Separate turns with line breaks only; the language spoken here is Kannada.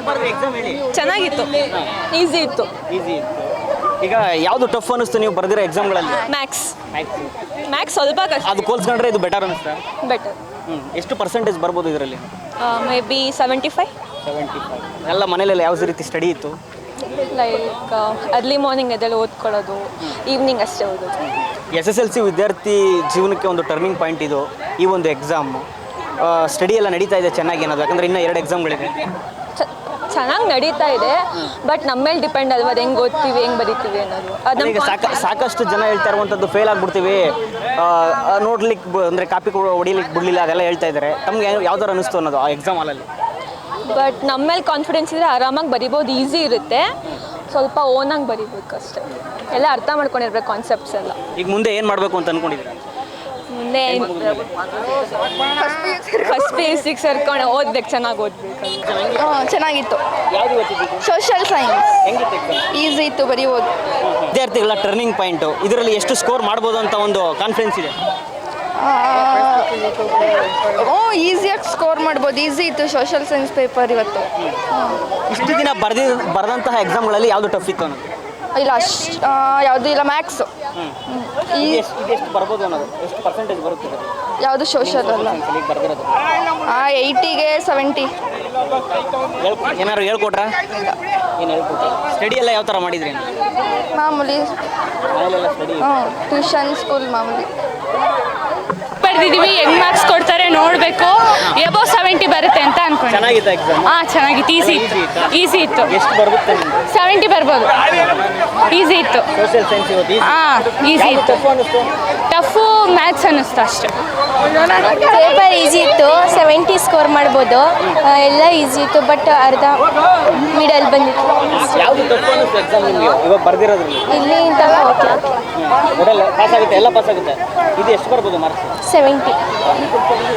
ಎಕ್ಸಾಮ್ ಹೇಳಿ.
ಚೆನ್ನಾಗಿತ್ತು, ಈಸಿ ಇತ್ತು.
ಈಸಿ ಇತ್ತು. ಈಗ ಯಾವುದು ಟಫ್ ಅನಿಸ್ತು ನೀವು ಬರ್ದಿರೋ ಎಕ್ಸಾಮ್ಗಳಲ್ಲಿ?
ಮ್ಯಾಕ್ಸ್ ಸ್ವಲ್ಪ ಕಷ್ಟ.
ಅದು ಹೋಲ್ಸ್ಕೊಂಡ್ರೆ ಇದು ಬೆಟರ್ ಅನಿಸ್ತಾ?
ಬೆಟರ್.
ಎಷ್ಟು ಪರ್ಸೆಂಟೇಜ್ ಬರ್ಬೋದು ಇದರಲ್ಲಿ?
Maybe 75.
ಎಲ್ಲ ಮನೇಲೆಲ್ಲ ಯಾವ ರೀತಿ ಸ್ಟಡಿ ಇತ್ತು?
ಲೈಕ್ ಅರ್ಲಿ ಮಾರ್ನಿಂಗ್ ಎದ್ದೆಲ್ಲ ಓದ್ಕೊಳ್ಳೋದು, ಈವ್ನಿಂಗ್ ಅಷ್ಟೇ ಓದೋದು.
SSLC ವಿದ್ಯಾರ್ಥಿ ಜೀವನಕ್ಕೆ ಒಂದು ಟರ್ನಿಂಗ್ ಪಾಯಿಂಟ್ ಇದು ಈ ಒಂದು ಎಕ್ಸಾಮ್. ಸ್ಟಡಿ ಎಲ್ಲ ನಡೀತಾ ಇದೆ ಚೆನ್ನಾಗಿ ಅನ್ನೋದು, ಯಾಕಂದರೆ ಇನ್ನೂ 2 ಎಕ್ಸಾಮ್ಗಳಿದೆ.
ಚೆನ್ನಾಗಿ ನಡೀತಾ ಇದೆ, ಬಟ್ ನಮ್ಮ ಮೇಲೆ ಡಿಪೆಂಡ್ ಅಲ್ವಾ, ಅದು ಹೆಂಗೆ ಓದ್ತೀವಿ ಹೆಂಗೆ ಬರೀತೀವಿ ಅನ್ನೋದು. ಅದು
ಈಗ ಸಾಕಷ್ಟು ಜನ ಹೇಳ್ತಾ ಇರುವಂಥದ್ದು ಫೇಲ್ ಆಗಿಬಿಡ್ತೀವಿ, ನೋಡ್ಲಿಕ್ಕೆ ಅಂದರೆ ಕಾಪಿ ಹೊಡಿಲಿಕ್ಕೆ ಬಿಡಲಿಲ್ಲ ಅದೆಲ್ಲ ಹೇಳ್ತಾ ಇದ್ದಾರೆ. ತಮ್ಗೆ ಯಾವ ಥರ ಅನ್ನಿಸ್ತು ಅನ್ನೋದು ಆ ಎಕ್ಸಾಮ್ ಹಾಲಲ್ಲಿ?
ಬಟ್ ನಮ್ಮ ಮೇಲೆ ಕಾನ್ಫಿಡೆನ್ಸ್ ಇದ್ದರೆ ಆರಾಮಾಗಿ ಬರಿಬೋದು, ಈಸಿ ಇರುತ್ತೆ. ಸ್ವಲ್ಪ ಓನಾಗಿ ಬರಿಬೇಕು ಅಷ್ಟೇ, ಎಲ್ಲ ಅರ್ಥ ಮಾಡ್ಕೊಂಡಿರ್ಬೇಕು ಕಾನ್ಸೆಪ್ಟ್ಸ್ ಎಲ್ಲ. ಈಗ
ಮುಂದೆ ಏನು ಮಾಡಬೇಕು ಅಂತ ಅಂದ್ಕೊಂಡಿದ್ದೀರಾ?
ಮುಂದೆ ಫಸ್ಟ್ PUC ಸೇರ್ಕೊಂಡು ಓದ್ಬೇಕು, ಚೆನ್ನಾಗಿ ಓದ್ಬೇಕು.
ಚೆನ್ನಾಗಿತ್ತು. ಸೋಷಿಯಲ್ ಸೈನ್ಸ್ ಈಸಿ ಇತ್ತು, ಬರೀಬೋದು.
ವಿದ್ಯಾರ್ಥಿಗಳ ಟರ್ನಿಂಗ್ ಪಾಯಿಂಟು, ಇದರಲ್ಲಿ ಎಷ್ಟು ಸ್ಕೋರ್ ಮಾಡ್ಬೋದು ಅಂತ ಒಂದು ಕಾನ್ಫಿಡೆನ್ಸ್ ಇದೆ?
ಈಸಿಯಾಗಿ ಸ್ಕೋರ್ ಮಾಡ್ಬೋದು. ಈಸಿ ಇತ್ತು ಸೋಷಿಯಲ್ ಸೈನ್ಸ್ ಪೇಪರ್ ಇವತ್ತು.
ಇಷ್ಟು ದಿನ ಬರೆದಂತಹ ಎಕ್ಸಾಮ್ಗಳಲ್ಲಿ ಯಾವುದು ಟಫ್ ಇತ್ತು ಅನ್ನೋದು?
ಇಲ್ಲ ಯಾವುದು ಇಲ್ಲ, ಮ್ಯಾಕ್ಸು.
ಎಷ್ಟು ಬರ್ಬೋದು ಅನ್ನೋದು, ಎಷ್ಟು ಪರ್ಸೆಂಟೇಜ್ ಬರುತ್ತೆ?
ಯಾವುದು ಸೋಷಿಯಲ್ ಅಲ್ಲ, 80ಗೆ 70.
ಏನಾದ್ರು ಹೇಳ್ಕೊಟ್ರಾ? ಏನು ಹೇಳ್ಕೊಟ್ರೆ? ಸ್ಟಡಿ ಎಲ್ಲ ಯಾವ ಥರ ಮಾಡಿದ್ರಿ?
ಮಾಮೂಲಿ, ಟ್ಯೂಷನ್ ಸ್ಕೂಲ್ ಮಾಮೂಲಿ.
ಬರ್ದಿದ್ದೀವಿ, ಹೆಂಗ್ ಮಾರ್ಕ್ಸ್ ಕೊಡ್ತಾರೆ ನೋಡಬೇಕು. ಎಬೋ 70 ಬರುತ್ತೆ ಅಂತ ಅನ್ಕೊಂಡು.
ಚೆನ್ನಾಗಿತ್ತು ಎಕ್ಸಾಮ್?
ಚೆನ್ನಾಗಿತ್ತು, ಈಸಿ ಇತ್ತು.
ಎಷ್ಟು ಬರುತ್ತೆ?
70 ಬರ್ಬೋದು. ಈಸಿ ಇತ್ತು.
ಸೋಷಿಯಲ್ ಸೈನ್ಸ್ ಇವತ್ತು
ಈಸಿ ಇತ್ತು. ಟಫು ಮ್ಯಾಥ್ಸ್ ಅನ್ನಿಸ್ತು ಅಷ್ಟೇ.
ಪೇಪರ್ ಈಸಿ ಇತ್ತು, 70 ಸ್ಕೋರ್ ಮಾಡ್ಬೋದು. ಎಲ್ಲ ಈಸಿ ಇತ್ತು, ಬಟ್ ಅರ್ಧ ಮಿಡಲ್ ಬಂದಿತ್ತು.
ಯಾವುದು ಟಫ್ ಅನ್ನಿಸ್ತು ಎಕ್ಸಾಮ್ ನಿಮಗೆ ಇವಾಗ ಬರ್ದಿರೋದ್ರಲ್ಲಿ?
ಇಲ್ಲಿ ಇಂತ ಓಕೆ
ಪಾಸ್ ಆಗುತ್ತೆ, ಎಲ್ಲ ಪಾಸ್ ಆಗುತ್ತೆ. ಇದು ಎಷ್ಟು ಬರ್ಬೋದು ಮಾರ್ಕ್ಸ್?
70.